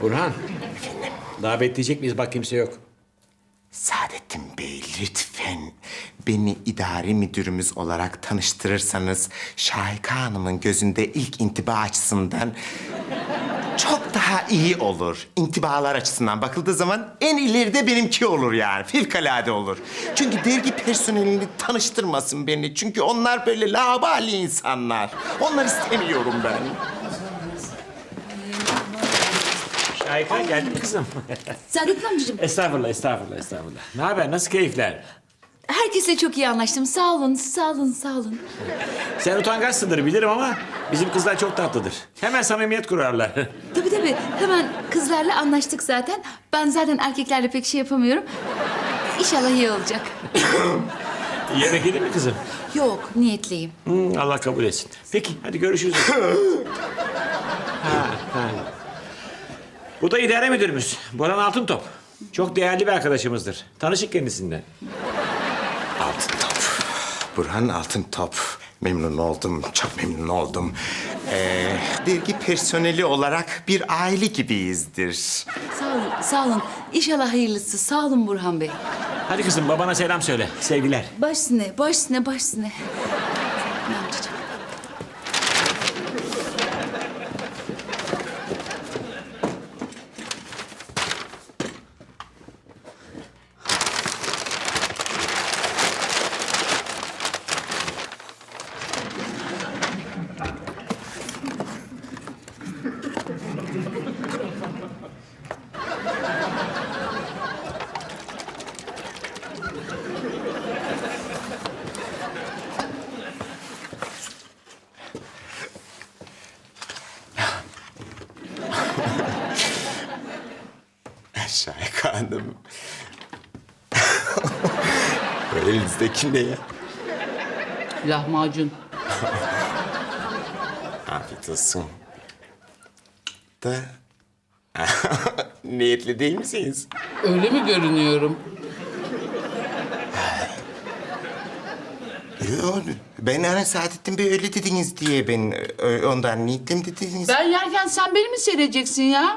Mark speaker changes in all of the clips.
Speaker 1: Burhan, daha bekleyecek miyiz? Bak kimse yok.
Speaker 2: Saadettin Bey, lütfen beni idari müdürümüz olarak tanıştırırsanız Şahika Hanım'ın gözünde ilk intiba açısından çok daha iyi olur. İntibalar açısından bakıldığı zaman en ileride benimki olur yani. Fevkalade olur. Çünkü dergi personelini tanıştırmasın beni. Çünkü onlar böyle laubali insanlar. Onları istemiyorum ben.
Speaker 1: Şahika geldi mi kızım?
Speaker 3: Saadettin amcacığım,
Speaker 1: Estağfurullah, estağfurullah, estağfurullah. Ne haber? Nasıl keyifler?
Speaker 3: herkesle çok iyi anlaştım. Sağ olun, sağ olun, sağ olun.
Speaker 1: Sen utangaçsındır bilirim ama bizim kızlar çok tatlıdır. Hemen samimiyet kurarlar.
Speaker 3: Tabii, hemen kızlarla anlaştık zaten. Ben zaten erkeklerle pek şey yapamıyorum. İnşallah iyi olacak.
Speaker 1: Yemek yedin mi kızım?
Speaker 3: Yok, niyetliyim.
Speaker 1: Allah kabul etsin. Peki, hadi görüşürüz. ha. Bu da idare müdürümüz. Boran Altıntop. Çok değerli bir arkadaşımızdır. Tanışık kendisinden.
Speaker 2: Altıntop. Burhan Altıntop. Memnun oldum, çok memnun oldum. Dergi personeli olarak bir aile gibiyizdir.
Speaker 3: Sağ olun. İnşallah hayırlısı. Sağ olun Burhan Bey.
Speaker 1: Hadi kızım, babana selam söyle. Sevgiler.
Speaker 3: Baş üstüne, baş üstüne, baş üstüne. Amcacığım.
Speaker 2: Şahika Hanım. Elinizdeki ne ya?
Speaker 4: Lahmacun.
Speaker 2: Afiyet olsun. Da... Niyetli değil misiniz?
Speaker 4: Öyle mi görünüyorum?
Speaker 2: Yok, ben hani Saadettin Bey öyle dediniz diye ben ondan niyetlim dediniz.
Speaker 4: Ben yerken sen beni mi seyredeceksin ya?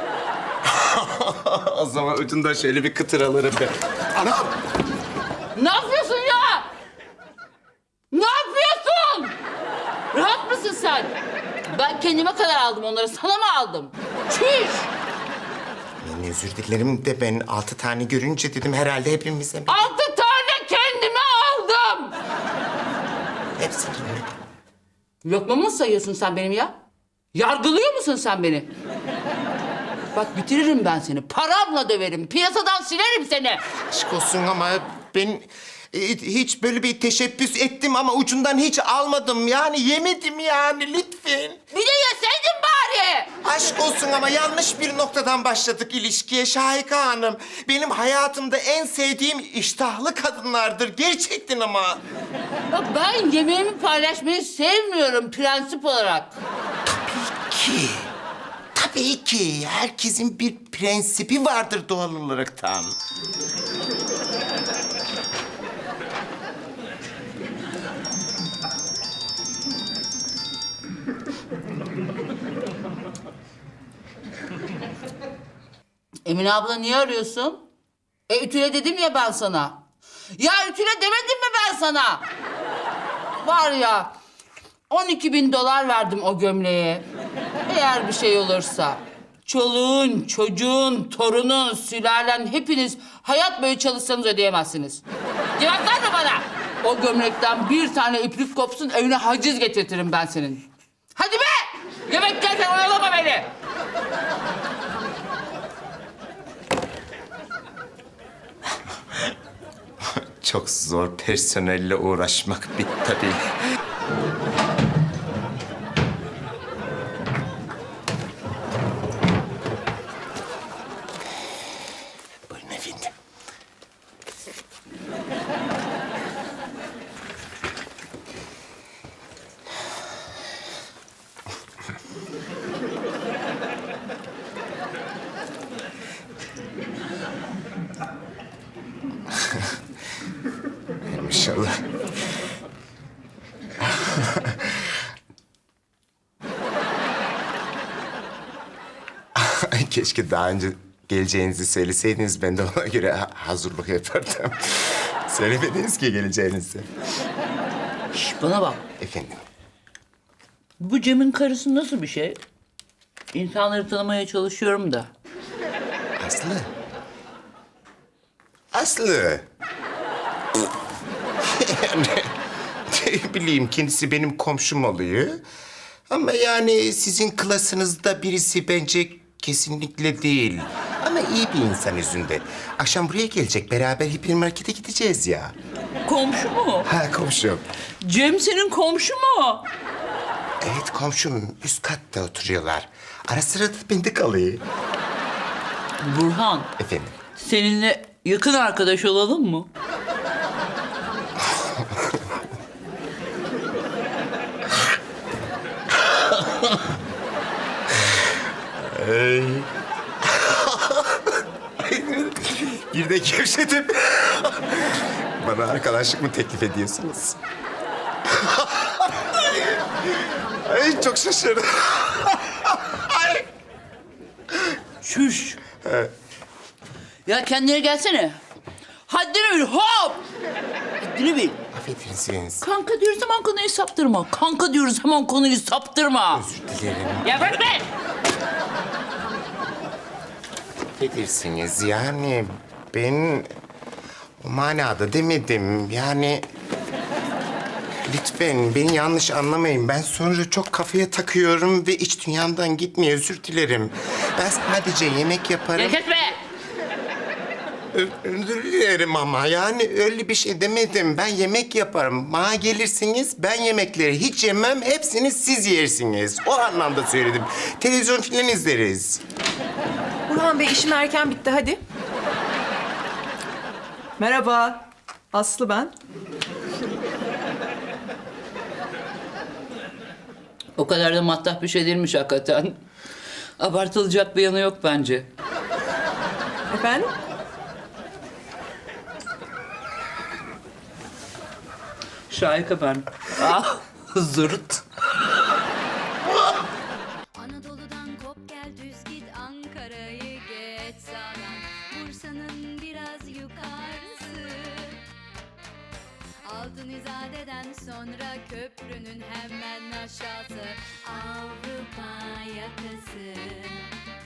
Speaker 2: O zaman ucundan şöyle bir kıtır alırım ben. Anam!
Speaker 4: Ne yapıyorsun ya? Ne yapıyorsun? Rahat mısın sen? Ben kendime kadar aldım onları. Sana mı aldım? Çüş!
Speaker 2: Yani özür dilerim de ben 6 tane görünce dedim herhalde hepimize...
Speaker 4: 6 tane kendime aldım.
Speaker 2: Hepsini mi?
Speaker 4: Lokmamı mı sayıyorsun sen benim ya? Yargılıyor musun sen beni? Bak bitiririm ben seni. Paramla döverim. Piyasadan silerim seni.
Speaker 2: Aşk olsun ama ben hiç böyle bir teşebbüs ettim ama ucundan hiç almadım. Yani yemedim yani lütfen.
Speaker 4: Bir de yeseydin bari.
Speaker 2: Aşk olsun ama yanlış bir noktadan başladık ilişkiye Şahika Hanım. Benim hayatımda en sevdiğim iştahlı kadınlardır gerçekten ama.
Speaker 4: Bak ben yemeğimi paylaşmayı sevmiyorum prensip olarak.
Speaker 2: Ki, tabii ki herkesin bir prensibi vardır doğal olaraktan.
Speaker 4: Emine abla niye arıyorsun? Ütüle dedim ya ben sana. Ya ütüle demedim mi ben sana? Var ya 12.000 dolar verdim o gömleğe. Eğer bir şey olursa çoluğun, çocuğun, torunun, sülalen hepiniz hayat boyu çalışsanız ödeyemezsiniz. Cevap verme bana. O gömlekten bir tane iplik kopsun evine haciz getirtirim ben senin. Hadi be! Yemek yerken oyalama beni.
Speaker 2: Çok zor personelle uğraşmak bir tabii. Buyurun efendim. İnşallah. Keşke daha önce geleceğinizi söyleseydiniz. Ben de ona göre hazırlık yapardım. Söylemediniz ki geleceğinizi.
Speaker 4: Şş, bana bak.
Speaker 2: Efendim?
Speaker 4: Bu Cem'in karısı nasıl bir şey? İnsanları tanımaya çalışıyorum da.
Speaker 2: Aslı. Aslı. Yani ne bileyim, kendisi benim komşum oluyor. Ama yani sizin klasınızda birisi bence kesinlikle değil. Ama iyi bir insan yüzünde. Akşam buraya gelecek, beraber hipermarkete gideceğiz ya.
Speaker 4: Komşu mu?
Speaker 2: Ha, komşum.
Speaker 4: Cem senin komşu mu?
Speaker 2: Evet, komşum. Üst katta oturuyorlar. Ara sıra da bende kalıyor.
Speaker 4: Burhan,
Speaker 2: Efendim?
Speaker 4: seninle yakın arkadaş olalım mı?
Speaker 2: Bir de gevşedim. Bana arkadaşlık mı teklif ediyorsunuz? Ay, çok şaşırdım.
Speaker 4: Şuş. Ya kendine gelsene. Haddini bil, hop! Haddini bil.
Speaker 2: Affedersiniz.
Speaker 4: Kanka diyoruz hemen konuyu saptırma. Kanka diyoruz hemen konuyu saptırma.
Speaker 2: Özür dilerim.
Speaker 4: Ya bırak be!
Speaker 2: Affedersiniz. Yani ben o manada demedim. Yani lütfen beni yanlış anlamayın. Ben sonra çok kafaya takıyorum ve iç dünyamdan gitmiyor. Özür dilerim. Ben sadece yemek yaparım.
Speaker 4: Ya kes be!
Speaker 2: Özür dilerim ama yani öyle bir şey demedim. Ben yemek yaparım. Bana gelirsiniz, ben yemekleri hiç yemem. Hepsini siz yersiniz. O anlamda söyledim. Televizyon filan izleriz.
Speaker 5: Burhan Bey, işim erken bitti, hadi. Merhaba, Aslı ben.
Speaker 4: O kadar da mattah bir şey değilmiş hakikaten. Abartılacak bir yanı yok bence.
Speaker 5: Efendim?
Speaker 4: Şahika ben. Ah, zırt.
Speaker 6: Anadolu'dan kop gel düz git Ankara'yı geç sağdan Bursa'nın biraz yukarısı Altın İzade'den sonra köprünün hemen aşağısı Avrupa yakası